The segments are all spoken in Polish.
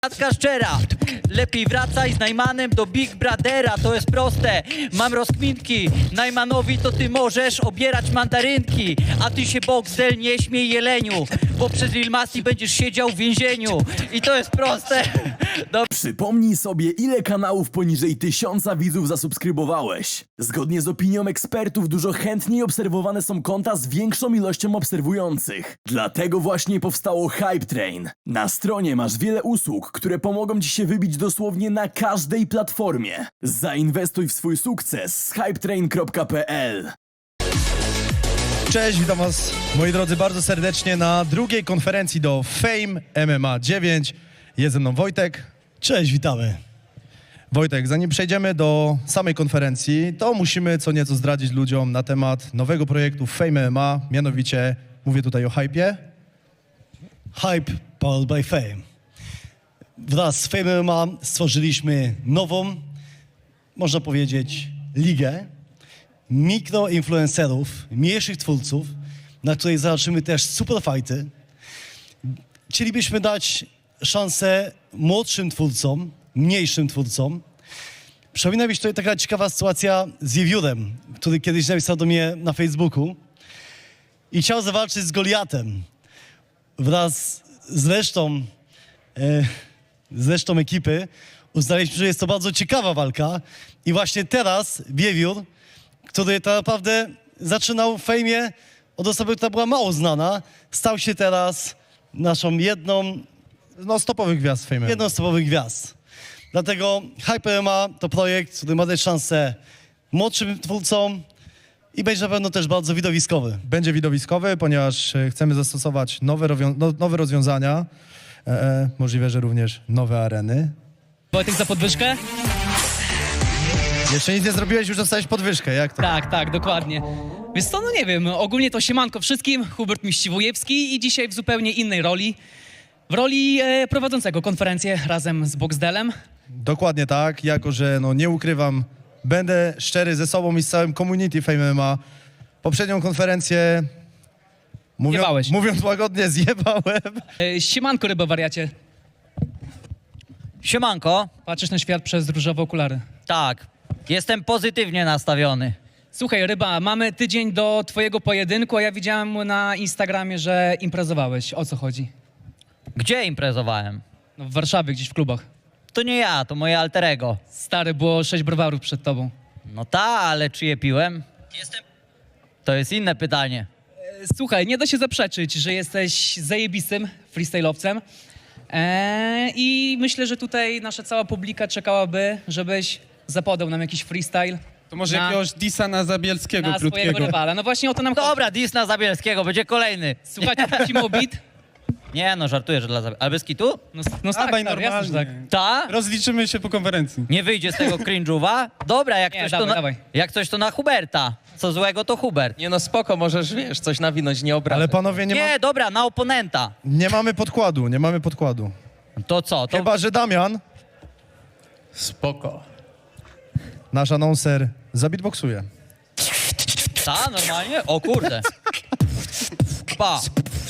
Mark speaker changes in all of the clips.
Speaker 1: Matka szczera, lepiej wracaj z Najmanem do Big Brothera, to jest proste. Mam rozkminki, Najmanowi to ty możesz obierać mandarynki, a ty się Boxdel nie śmiej jeleniu, bo przez Lil Masti będziesz siedział w więzieniu. I to jest proste.
Speaker 2: Przypomnij sobie, ile kanałów poniżej 1000 widzów zasubskrybowałeś. Zgodnie z opinią ekspertów, dużo chętniej obserwowane są konta z większą ilością obserwujących. Dlatego właśnie powstało Hype Train. Na stronie masz wiele usług, które pomogą ci się wybić dosłownie na każdej platformie. Zainwestuj w swój sukces z hypetrain.pl.
Speaker 3: Cześć, witam was, moi drodzy, bardzo serdecznie na drugiej konferencji do Fame MMA 9. Jest ze mną Wojtek.
Speaker 4: Cześć, witamy.
Speaker 3: Wojtek, zanim przejdziemy do samej konferencji, to musimy co nieco zdradzić ludziom na temat nowego projektu Fame MMA, mianowicie mówię tutaj o hypie.
Speaker 4: Hype powered by Fame. Wraz z Fame MMA stworzyliśmy nową, można powiedzieć, ligę mikroinfluencerów, mniejszych twórców, na której zobaczymy też superfighty. Chcielibyśmy dać szansę młodszym twórcom, mniejszym twórcom. Przypomina mi się tutaj taka ciekawa sytuacja z Wiewiórem, który kiedyś napisał do mnie na Facebooku i chciał zawalczyć z Goliatem. Wraz z resztą ekipy uznaliśmy, że jest to bardzo ciekawa walka i właśnie teraz Wiewiór, który tak naprawdę zaczynał w fejmie od osoby, która była mało znana, stał się teraz naszą jedną
Speaker 3: Z topowych gwiazd Fame MMA.
Speaker 4: z topowych gwiazd. Dlatego Hype MMA to projekt, który ma dać szansę młodszym twórcom i będzie na pewno też bardzo widowiskowy.
Speaker 3: Będzie widowiskowy, ponieważ chcemy zastosować nowe rozwiązania, możliwe, że również nowe areny.
Speaker 5: Wojtek za podwyżkę?
Speaker 3: Jeszcze nic nie zrobiłeś, już dostałeś podwyżkę, jak to?
Speaker 5: Tak, dokładnie. Wiesz co, no nie wiem, ogólnie to siemanko wszystkim, Hubert Miściwojewski i dzisiaj w zupełnie innej roli. W roli prowadzącego konferencję razem z Boxdelem.
Speaker 3: Dokładnie tak, jako że nie ukrywam, będę szczery ze sobą i z całym community Fame MMA. Poprzednią konferencję,
Speaker 5: Zjebałeś.
Speaker 3: mówiąc łagodnie, zjebałem.
Speaker 5: Siemanko, ryba wariacie.
Speaker 1: Siemanko,
Speaker 5: Patrzysz na świat przez różowe okulary.
Speaker 1: tak, jestem pozytywnie nastawiony.
Speaker 5: Słuchaj, ryba, mamy tydzień do twojego pojedynku, a ja widziałem na Instagramie, że imprezowałeś. O co chodzi?
Speaker 1: Gdzie imprezowałem?
Speaker 5: No, w Warszawie, gdzieś w klubach.
Speaker 1: To nie ja, to moje alterego.
Speaker 5: Stary, było 6 browarów przed tobą.
Speaker 1: No ta, ale czy je piłem? To jest inne pytanie.
Speaker 5: Słuchaj, nie da się zaprzeczyć, że jesteś zajebistym freestyle'owcem. I myślę, że tutaj nasza cała publika czekałaby, żebyś zapodał nam jakiś freestyle
Speaker 6: To może
Speaker 5: Na-
Speaker 6: jakiegoś disa na Zabielskiego
Speaker 5: na swojego
Speaker 6: krótkiego.
Speaker 5: rywala. No właśnie o to nam chodzi.
Speaker 1: Dobra, Disna Zabielskiego, będzie kolejny.
Speaker 5: Słuchajcie, prosimy o beat.
Speaker 1: Nie no, żartuję, że dla Zabielskiego. Ale bez kitu?
Speaker 5: No tak,
Speaker 6: Dawaj
Speaker 5: stary, jasne, że tak.
Speaker 6: normalnie.
Speaker 1: Ta?
Speaker 6: Rozliczymy się po konferencji.
Speaker 1: Nie wyjdzie z tego cringe'uwa? Dobra, jak
Speaker 5: Nie,
Speaker 1: coś,
Speaker 5: dawaj,
Speaker 1: to
Speaker 5: dawaj.
Speaker 1: jak coś to na Huberta. Co złego to Hubert.
Speaker 7: Nie no spoko, możesz, wiesz, coś nawinąć, nie obrażać.
Speaker 3: Ale panowie,
Speaker 1: Nie, dobra, na oponenta.
Speaker 3: nie mamy podkładu.
Speaker 1: To co? To...
Speaker 3: Chyba, że Damian,
Speaker 7: Spoko.
Speaker 3: nasz anonser, zabitboksuje.
Speaker 1: Ta, normalnie? O kurde. Pa.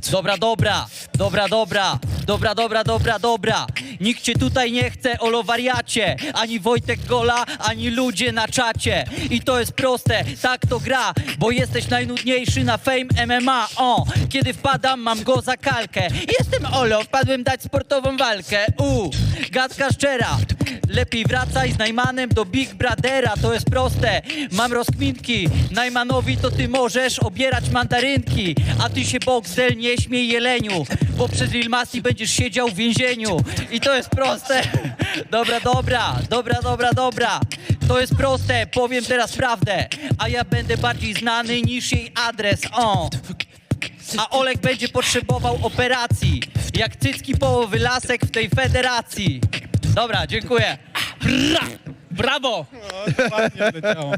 Speaker 1: Dobra. Nikt cię tutaj nie chce, olo wariacie. Ani Wojtek Gola, ani ludzie na czacie. I to jest proste, tak to gra, bo jesteś najnudniejszy na Fame MMA. O, kiedy wpadam, mam go za kalkę. Jestem olo, wpadłem dać sportową walkę. Gadka szczera. Lepiej wracaj z Najmanem do Big Brothera, to jest proste. Mam rozkminki, Najmanowi to ty możesz obierać mandarynki, a ty się Boxdel nie śmiej jeleniu, bo przez Lil Masti będziesz siedział w więzieniu. I to jest proste. Dobra. To jest proste, powiem teraz prawdę, a ja będę bardziej znany niż jej adres. O. A Olek będzie potrzebował operacji, jak cycki połowy lasek w tej federacji. Dobra, dziękuję.
Speaker 5: Brawo!
Speaker 6: Ładnie leciało.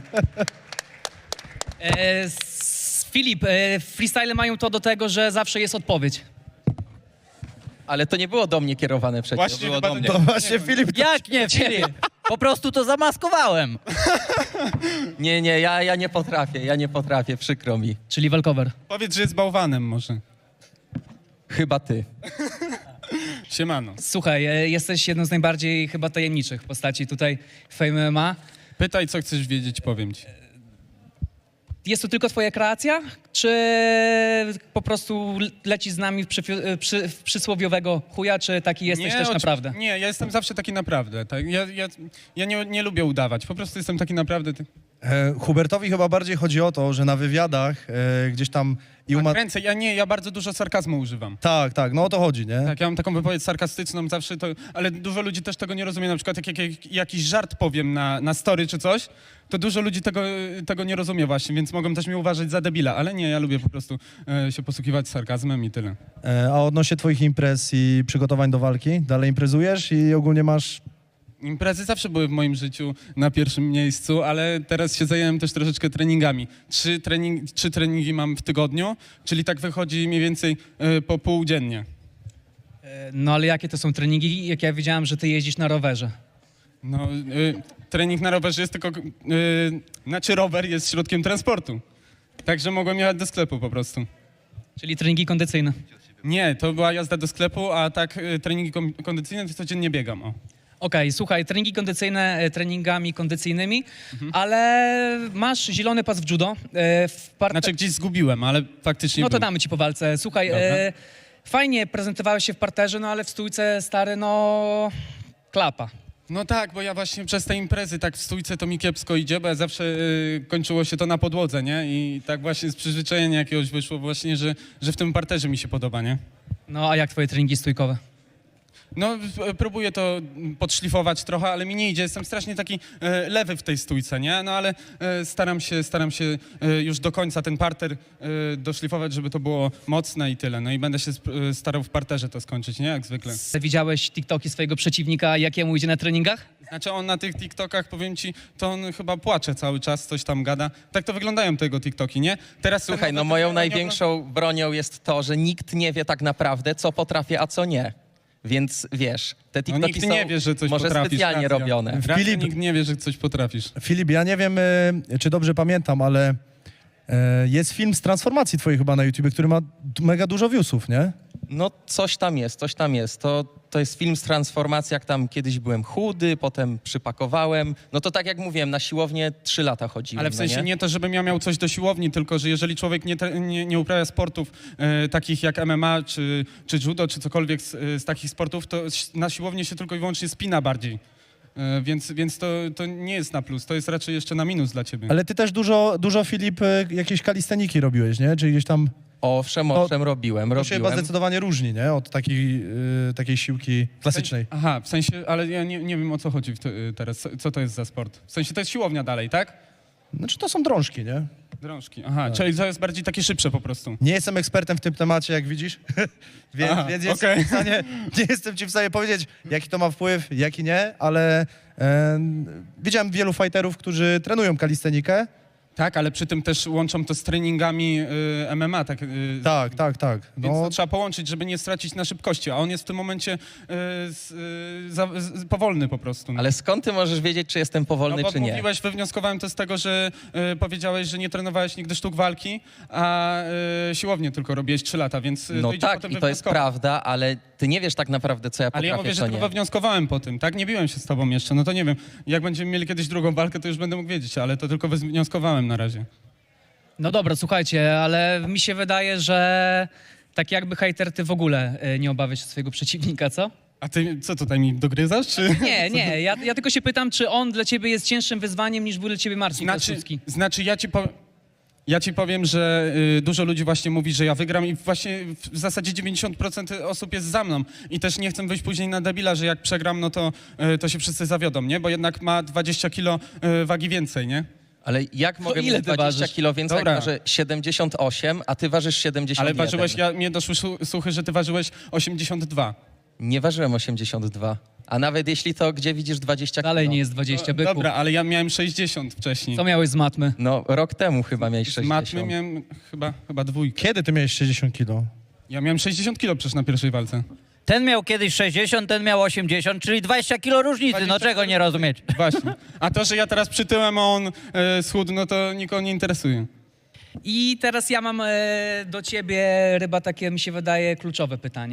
Speaker 5: Filip, freestyle mają to do tego, że zawsze jest odpowiedź.
Speaker 7: Ale to nie było do mnie kierowane przecież.
Speaker 6: Właśnie
Speaker 7: było
Speaker 6: chyba
Speaker 7: do mnie.
Speaker 3: To właśnie Filip...
Speaker 1: Jak nie, Filip? Po prostu to zamaskowałem.
Speaker 7: Nie, ja nie potrafię, przykro mi.
Speaker 5: Czyli walkover.
Speaker 6: Powiedz, że jest bałwanem może.
Speaker 7: Chyba ty.
Speaker 6: Siemano.
Speaker 5: Słuchaj, jesteś jedną z najbardziej chyba tajemniczych postaci tutaj w Fame MMA.
Speaker 6: Pytaj, co chcesz wiedzieć, powiem ci.
Speaker 5: Jest to tylko twoja kreacja, czy po prostu lecisz z nami w przysłowiowego chuja, czy taki jesteś też naprawdę?
Speaker 6: Nie, ja jestem zawsze taki naprawdę. Tak? Ja nie lubię udawać, po prostu jestem taki naprawdę.
Speaker 3: Hubertowi chyba bardziej chodzi o to, że na wywiadach gdzieś tam
Speaker 6: Kręcę, ja bardzo dużo sarkazmu używam.
Speaker 3: Tak, no o to chodzi, nie?
Speaker 6: Tak, ja mam taką wypowiedź sarkastyczną zawsze, ale dużo ludzi też tego nie rozumie. Na przykład jak jakiś żart powiem na story czy coś, to dużo ludzi tego nie rozumie właśnie, więc mogą też mnie uważać za debila, ale nie, ja lubię po prostu się posługiwać sarkazmem i tyle.
Speaker 3: A odnośnie twoich imprez i przygotowań do walki, dalej imprezujesz i ogólnie masz...
Speaker 6: Imprezy zawsze były w moim życiu na pierwszym miejscu, ale teraz się zająłem też troszeczkę treningami. Trzy treningi mam w tygodniu, czyli tak wychodzi mniej więcej po pół dziennie.
Speaker 5: No ale jakie to są treningi? Jak ja wiedziałem, że ty jeździsz na rowerze.
Speaker 6: No, trening na rowerze jest tylko... Znaczy rower jest środkiem transportu. Także mogłem jechać do sklepu po prostu.
Speaker 5: Czyli treningi kondycyjne.
Speaker 6: Nie, to była jazda do sklepu, a tak treningi kondycyjne to codziennie biegam. O.
Speaker 5: Okej, słuchaj, treningi kondycyjne treningami kondycyjnymi, ale masz zielony pas w judo.
Speaker 6: Znaczy gdzieś zgubiłem, ale faktycznie
Speaker 5: No to
Speaker 6: był.
Speaker 5: damy ci po walce. Słuchaj,
Speaker 6: Dobra.
Speaker 5: fajnie prezentowałeś się w parterze, no ale w stójce, stary, no... klapa.
Speaker 6: No tak, bo ja właśnie przez te imprezy tak w stójce to mi kiepsko idzie, bo ja zawsze kończyło się to na podłodze, nie? I tak właśnie z przyzwyczajenia jakiegoś wyszło właśnie, że w tym parterze mi się podoba, nie?
Speaker 5: No a jak twoje treningi stójkowe?
Speaker 6: No, próbuję to podszlifować trochę, ale mi nie idzie. Jestem strasznie taki lewy w tej stójce, nie? No ale staram się już do końca ten parter doszlifować, żeby to było mocne i tyle. No i będę się starał w parterze to skończyć, nie? Jak zwykle.
Speaker 5: Widziałeś TikToki swojego przeciwnika, jakiemu idzie na treningach?
Speaker 6: Znaczy on na tych TikTokach, powiem ci, to on chyba płacze cały czas, coś tam gada. Tak to wyglądają tego TikToki, nie? Teraz
Speaker 7: Słuchaj, no moją największą bronią jest to, że nikt nie wie tak naprawdę, co potrafię, a co nie. Więc wiesz, te TikToki
Speaker 6: nikt
Speaker 7: są
Speaker 6: nie wie, że coś
Speaker 7: może
Speaker 6: potrafisz,
Speaker 7: specjalnie
Speaker 6: racja.
Speaker 7: robione.
Speaker 6: Racja,
Speaker 3: Filip-
Speaker 6: nikt nie wie, że coś potrafisz.
Speaker 3: Filip, ja nie wiem, czy dobrze pamiętam, ale jest film z transformacji twojej chyba na YouTubie, który ma mega dużo viewsów, nie?
Speaker 7: No coś tam jest, coś tam jest. To jest film z transformacji, jak tam kiedyś byłem chudy, potem przypakowałem. No to tak jak mówiłem, na siłownię 3 lata chodziłem.
Speaker 6: Ale w sensie
Speaker 7: no
Speaker 6: nie to, żebym ja miał coś do siłowni, tylko że jeżeli człowiek nie uprawia sportów takich jak MMA, czy judo, czy cokolwiek z takich sportów, to na siłowni się tylko i wyłącznie spina bardziej. Więc to nie jest na plus, to jest raczej jeszcze na minus dla ciebie.
Speaker 3: Ale ty też dużo Filip, jakieś kalisteniki robiłeś, nie? Czyli gdzieś tam...
Speaker 7: Owszem, robiłem.
Speaker 3: To się chyba zdecydowanie różni, nie? Od takiej siłki klasycznej.
Speaker 6: Aha, w sensie, ale ja nie wiem o co chodzi teraz, co to jest za sport. W sensie to jest siłownia dalej, tak?
Speaker 3: Znaczy to są drążki, nie?
Speaker 6: Drążki, aha, czyli to jest bardziej takie szybsze po prostu.
Speaker 3: Nie jestem ekspertem w tym temacie, jak widzisz,
Speaker 6: Aha,
Speaker 3: więc
Speaker 6: okej.
Speaker 3: nie jestem ci w stanie powiedzieć, jaki to ma wpływ, jaki nie, ale widziałem wielu fighterów, którzy trenują kalistenikę.
Speaker 6: Tak, ale przy tym też łączą to z treningami MMA, tak?
Speaker 3: Tak.
Speaker 6: Więc
Speaker 3: No,
Speaker 6: to trzeba połączyć, żeby nie stracić na szybkości, a on jest w tym momencie powolny po prostu. No.
Speaker 7: Ale skąd ty możesz wiedzieć, czy jestem powolny,
Speaker 6: No bo
Speaker 7: czy nie?
Speaker 6: mówiłeś, wywnioskowałem to z tego, że powiedziałeś, że nie trenowałeś nigdy sztuk walki, a siłownię tylko robiłeś 3 lata, więc
Speaker 7: No
Speaker 6: to idzie
Speaker 7: tak,
Speaker 6: potem
Speaker 7: i to jest
Speaker 6: wywnioskować.
Speaker 7: prawda, ale ty nie wiesz tak naprawdę, co ja
Speaker 6: Ale
Speaker 7: potrafię,
Speaker 6: ja mówię, że
Speaker 7: co
Speaker 6: tylko
Speaker 7: nie.
Speaker 6: wywnioskowałem po tym, tak? Nie biłem się z tobą jeszcze, no to nie wiem. Jak będziemy mieli kiedyś drugą walkę, to już będę mógł wiedzieć, ale to tylko wywnioskowałem na razie.
Speaker 5: No dobra, słuchajcie, ale mi się wydaje, że tak jakby hejter, ty w ogóle nie obawiasz się swojego przeciwnika, co?
Speaker 6: A ty co tutaj mi dogryzasz, czy...
Speaker 5: Nie, ja tylko się pytam, czy on dla ciebie jest cięższym wyzwaniem niż był dla ciebie Marcin Piłsudski.
Speaker 6: Znaczy ja ci powiem, że dużo ludzi właśnie mówi, że ja wygram i właśnie w zasadzie 90% osób jest za mną i też nie chcę wyjść później na debila, że jak przegram, no to się wszyscy zawiodą, nie? Bo jednak ma 20 kilo wagi więcej, nie?
Speaker 7: Ale jak mogę
Speaker 5: ile
Speaker 7: mieć
Speaker 5: ty
Speaker 7: 20
Speaker 5: ważysz?
Speaker 7: kilo więcej,
Speaker 6: Dobra.
Speaker 7: jak waży 78, a ty ważysz 71?
Speaker 6: Ale ważyłeś, mnie doszły słuchy, że ty ważyłeś 82.
Speaker 7: Nie ważyłem 82. A nawet jeśli to, gdzie widzisz 20 kilo?
Speaker 5: Dalej nie jest 20, byku.
Speaker 6: Dobra, ale ja miałem 60 wcześniej.
Speaker 5: Co miałeś z matmy?
Speaker 7: No, rok temu chyba miałeś
Speaker 6: Z
Speaker 7: 60.
Speaker 6: matmy miałem chyba dwójkę.
Speaker 3: kiedy ty miałeś 60 kilo?
Speaker 6: Ja miałem 60 kilo przecież na pierwszej walce.
Speaker 1: Ten miał kiedyś 60, ten miał 80, czyli 20 kilo różnicy, no
Speaker 6: 20
Speaker 1: czego nie rozumieć?
Speaker 6: Właśnie. A to, że ja teraz przytyłem, a on schudł, no to nikogo nie interesuje.
Speaker 5: I teraz ja mam do ciebie, Ryba, takie mi się wydaje kluczowe pytanie.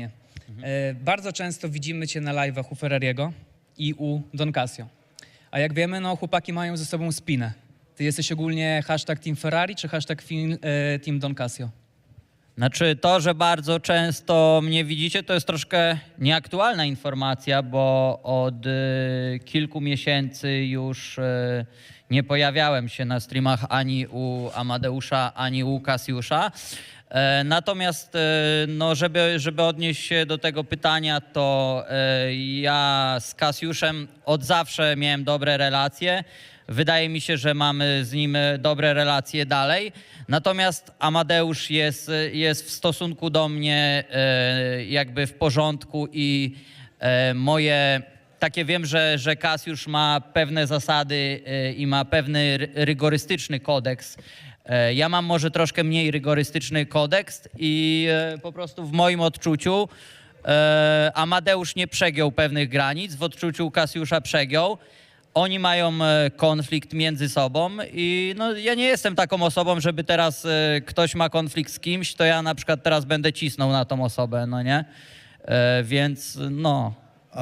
Speaker 5: Bardzo często widzimy cię na live'ach u Ferrariego i u Don Casio. A jak wiemy, no chłopaki mają ze sobą spinę. Ty jesteś ogólnie hashtag Team Ferrari czy hashtag Team Don Casio?
Speaker 1: Znaczy to, że bardzo często mnie widzicie, to jest troszkę nieaktualna informacja, bo od kilku miesięcy już nie pojawiałem się na streamach ani u Amadeusza, ani u Kasiusza. Natomiast no, żeby odnieść się do tego pytania, to ja z Kasiuszem od zawsze miałem dobre relacje. Wydaje mi się, że mamy z nim dobre relacje dalej. Natomiast Amadeusz jest w stosunku do mnie jakby w porządku i moje takie wiem, że Kasiusz ma pewne zasady i ma pewny rygorystyczny kodeks. Ja mam może troszkę mniej rygorystyczny kodeks i po prostu w moim odczuciu Amadeusz nie przegiął pewnych granic, w odczuciu Kasiusza przegiął. Oni mają konflikt między sobą i no, ja nie jestem taką osobą, żeby teraz ktoś ma konflikt z kimś, to ja na przykład teraz będę cisnął na tą osobę, no nie? Więc no,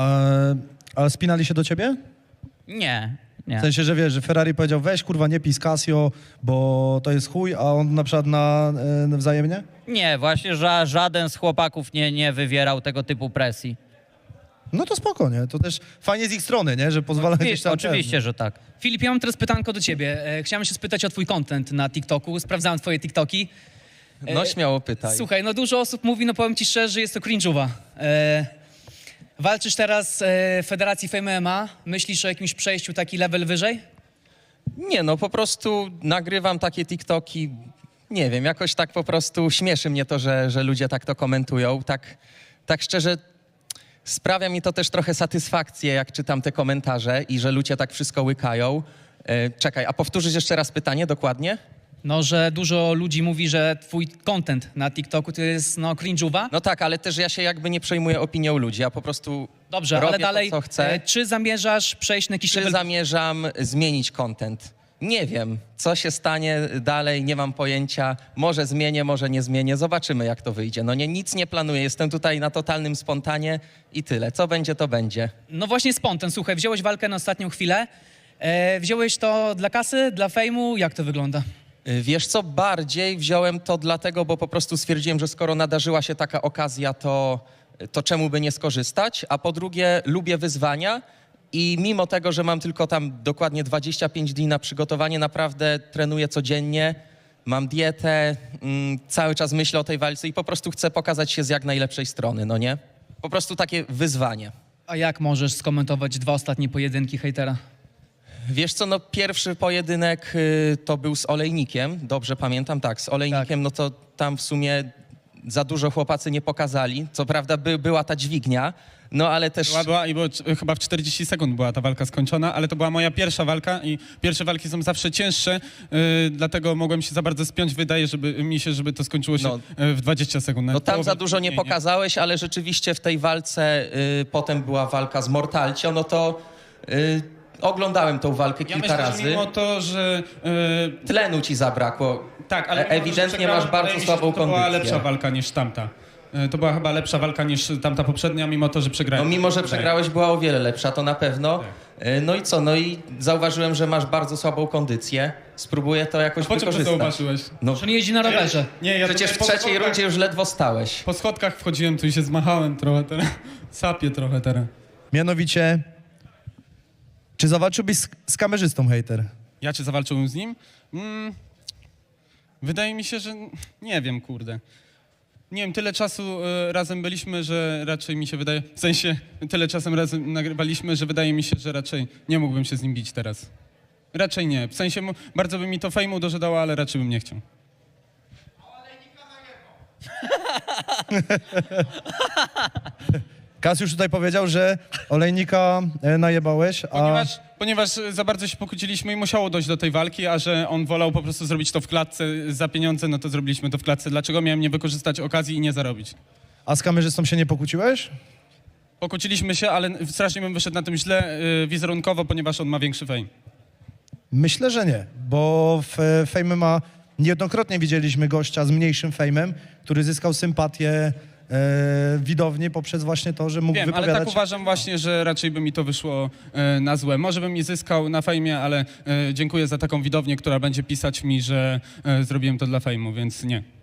Speaker 3: A spinali się do ciebie?
Speaker 1: nie, nie.
Speaker 3: W sensie, że wiesz, że Ferrari powiedział, weź kurwa nie pij z Casio, bo to jest chuj, a on na przykład na wzajemnie?
Speaker 1: Nie, właśnie żaden z chłopaków nie wywierał tego typu presji.
Speaker 3: No to spoko, nie? To też fajnie z ich strony, nie? Że pozwala gdzieś tam...
Speaker 1: Oczywiście, że tak.
Speaker 5: Filip, ja mam teraz pytanko do ciebie. Chciałem się spytać o twój content na TikToku. Sprawdzałem twoje TikToki.
Speaker 7: No śmiało pytaj.
Speaker 5: Słuchaj, no dużo osób mówi, no powiem ci szczerze, że jest to cringe'owa. Walczysz teraz w Federacji Fame MMA. Myślisz o jakimś przejściu taki level wyżej?
Speaker 7: Nie, no po prostu nagrywam takie TikToki, nie wiem, jakoś tak po prostu śmieszy mnie to, że ludzie tak to komentują. Tak szczerze, sprawia mi to też trochę satysfakcję, jak czytam te komentarze i że ludzie tak wszystko łykają. Czekaj, a powtórzysz jeszcze raz pytanie dokładnie?
Speaker 5: No, że dużo ludzi mówi, że twój content na TikToku to jest no cringe'owa.
Speaker 7: No tak, ale też ja się jakby nie przejmuję opinią ludzi, ja po prostu
Speaker 5: Dobrze,
Speaker 7: robię
Speaker 5: ale dalej,
Speaker 7: to, co chcę.
Speaker 5: czy zamierzasz przejść na jakiś
Speaker 7: Czy
Speaker 5: level...
Speaker 7: zamierzam zmienić content? Nie wiem, co się stanie dalej, nie mam pojęcia. Może zmienię, może nie zmienię. Zobaczymy, jak to wyjdzie. No nie, nic nie planuję, jestem tutaj na totalnym spontanie i tyle. Co będzie, to będzie.
Speaker 5: No właśnie spontan, słuchaj, wziąłeś walkę na ostatnią chwilę. Wziąłeś to dla kasy, dla fejmu? Jak to wygląda?
Speaker 7: Wiesz co, bardziej wziąłem to dlatego, bo po prostu stwierdziłem, że skoro nadarzyła się taka okazja, to czemu by nie skorzystać? A po drugie, lubię wyzwania i mimo tego, że mam tylko tam dokładnie 25 dni na przygotowanie, naprawdę trenuję codziennie, mam dietę, cały czas myślę o tej walce i po prostu chcę pokazać się z jak najlepszej strony, no nie? Po prostu takie wyzwanie.
Speaker 5: A jak możesz skomentować 2 ostatnie pojedynki hejtera?
Speaker 7: Wiesz co, no pierwszy pojedynek to był z Olejnikiem, dobrze pamiętam, tak, z Olejnikiem, no to tam w sumie za dużo chłopacy nie pokazali. Co prawda była ta dźwignia, no ale też...
Speaker 6: Chyba w 40 sekund była ta walka skończona, ale to była moja pierwsza walka i pierwsze walki są zawsze cięższe, dlatego mogłem się za bardzo spiąć. Wydaje mi się, żeby to skończyło się w 20 sekund.
Speaker 7: No tam za dużo nie pokazałeś, ale rzeczywiście w tej walce potem była walka z Mortalcio, no to... Oglądałem tą walkę kilka razy.
Speaker 6: Mimo to, że...
Speaker 7: Tlenu ci zabrakło.
Speaker 6: Tak, ale
Speaker 7: ewidentnie masz bardzo słabą
Speaker 6: kondycję. To była
Speaker 7: kondycję.
Speaker 6: lepsza walka niż tamta. To była chyba lepsza walka niż tamta poprzednia, mimo to, że przegrałem.
Speaker 7: No mimo, że przegrałeś, była o wiele lepsza, to na pewno. No i co? No i zauważyłem, że masz bardzo słabą kondycję. Spróbuję to jakoś
Speaker 6: Po czym to
Speaker 7: wykorzystać.
Speaker 6: zauważyłeś?
Speaker 7: No,
Speaker 5: Że nie jeździ na rowerze.
Speaker 6: Nie, ja
Speaker 7: przecież w
Speaker 6: tutaj
Speaker 7: trzeciej rundzie już ledwo stałeś.
Speaker 6: po schodkach wchodziłem, tu i się zmachałem trochę teraz. Sapię trochę teraz.
Speaker 3: Mianowicie, czy zawalczyłbyś z kamerzystą, hejter?
Speaker 6: Ja czy zawalczyłem z nim? Wydaje mi się, że nie wiem, kurde. Nie wiem, tyle czasu razem byliśmy, że raczej mi się wydaje, w sensie tyle czasem razem nagrywaliśmy, że wydaje mi się, że raczej nie mógłbym się z nim bić teraz. Raczej nie. W sensie bardzo by mi to fejmu dożydało, ale raczej bym nie chciał.
Speaker 3: Kasiusz tutaj powiedział, że Olejnika najebałeś, a...
Speaker 6: Ponieważ za bardzo się pokłóciliśmy i musiało dojść do tej walki, a że on wolał po prostu zrobić to w klatce za pieniądze, no to zrobiliśmy to w klatce. Dlaczego miałem nie wykorzystać okazji i nie zarobić?
Speaker 3: A z kamerzystą się nie pokłóciłeś?
Speaker 6: Pokłóciliśmy się, ale strasznie bym wyszedł na tym źle wizerunkowo, ponieważ on ma większy fame.
Speaker 3: Myślę, że nie, bo w Fame MMA niejednokrotnie widzieliśmy gościa z mniejszym fejmem, który zyskał sympatię widowni poprzez właśnie to, że mógł
Speaker 6: Wiem, ale
Speaker 3: wypowiadać...
Speaker 6: tak uważam właśnie, że raczej by mi to wyszło na złe. Może bym nie zyskał na fejmie, ale dziękuję za taką widownię, która będzie pisać mi, że zrobiłem to dla fejmu, więc nie.